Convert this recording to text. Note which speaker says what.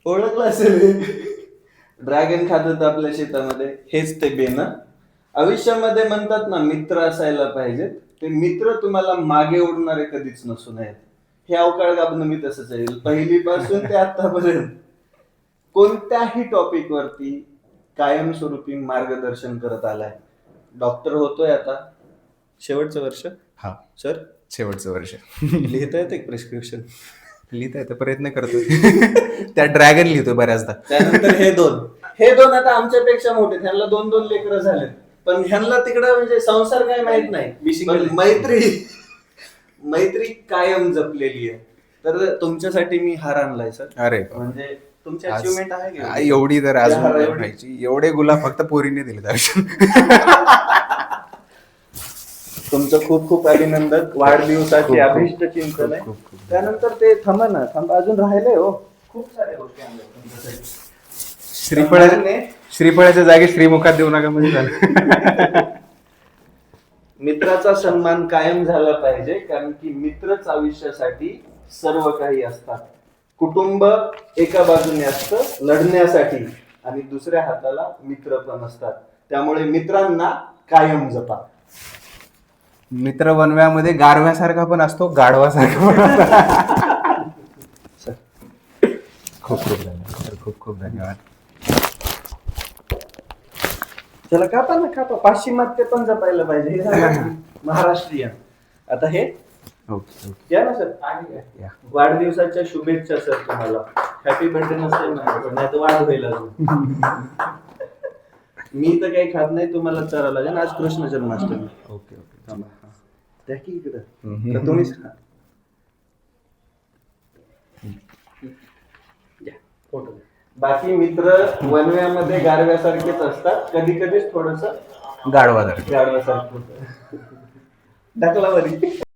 Speaker 1: ओळखलं असेल. ड्रॅगन खात होतं आपल्या शेतामध्ये, हेच ते बेनं. आयुष्यामध्ये म्हणतात ना मित्र असायला पाहिजेत, ते मित्र तुम्हाला मागे ओढणारे कधीच नसू नयेत. हे अवकाळ गाभणं मी तसंच आहे, पहिलीपासून ते आतापर्यंत कोणत्याही टॉपिक वरती कायमस्वरूपी मार्गदर्शन करत आलाय. डॉक्टर होतोय आता, शेवटचं वर्ष.
Speaker 2: हा,
Speaker 1: सर
Speaker 2: शेवटचं वर्ष.
Speaker 1: लिहिता येते प्रिस्क्रिप्शन?
Speaker 2: लिहिता येतं, प्रयत्न करतोय. त्या ड्रॅगन लिहितोय बऱ्याचदा.
Speaker 1: त्यानंतर हे दोन आता आमच्यापेक्षा मोठे, ह्यांना 2-2 लेकरं झालेत, पण ह्यांना तिकडं म्हणजे संसार काय माहित नाही, पण मैत्री कायम जपलेली आहे. तर तुमच्यासाठी मी हार आणलाय सर.
Speaker 2: अरे
Speaker 1: म्हणजे तुमची अचिव्हमेंट आहे का?
Speaker 2: एवढी तर
Speaker 1: या
Speaker 2: अजून
Speaker 1: हाराएवढी?
Speaker 2: व्हायची. एवढे गुलाब फक्त पोरीने दिले दर्शन.
Speaker 1: तुमचं खूप खूप अभिनंदन. वाढदिवसाची
Speaker 2: खूप-
Speaker 1: अभिष्ट चिंतन आहे.
Speaker 2: खूप- खूप-
Speaker 1: त्यानंतर ते थांबा अजून राहिलंय हो, खूप साऱ्या गोष्टी आणल्या तुमच्यासाठी.
Speaker 2: श्रीफळाच्या जागी श्रीमुखात देऊ नका म्हणजे झालं.
Speaker 1: मित्राचा सन्मान कायम झाला पाहिजे, कारण की मित्रच आयुष्यासाठी सर्व काही असतात. कुटुंब एका बाजूने असतं लढण्यासाठी, आणि दुसऱ्या हाताला मित्र पण असतात. त्यामुळे मित्रांना कायम जपा.
Speaker 2: मित्र वनव्यामध्ये गारव्यासारखा पण असतो, गाढवासारखा पण असतो. खूप खूप धन्यवाद. खूप खूप धन्यवाद.
Speaker 1: त्याला कापा ना, कापा. पाश्चिमात्य पण जपायला पाहिजे, हे झालं महाराष्ट्रीयन. आता हे
Speaker 2: ओके ओके.
Speaker 1: या ना सर.
Speaker 2: या.
Speaker 1: वाढदिवसाच्या शुभेच्छा सर तुम्हाला. हॅपी बर्थडे नसेल ना, नाही तर वाढ होईल अजून. मी तर काही खात नाही, तुम्हाला चारा लागेल. आज कृष्ण जन्माष्टमी.
Speaker 2: Okay okay.
Speaker 1: त्या की इकडं तर तुम्हीच खा. या, फोटो. बाकी मित्र वनव्यामध्ये गारव्यासारखेच असतात, कधी कधीच थोडस
Speaker 2: गाढवासारखं.
Speaker 1: गाढवासारखं होतं. ढकला वरी.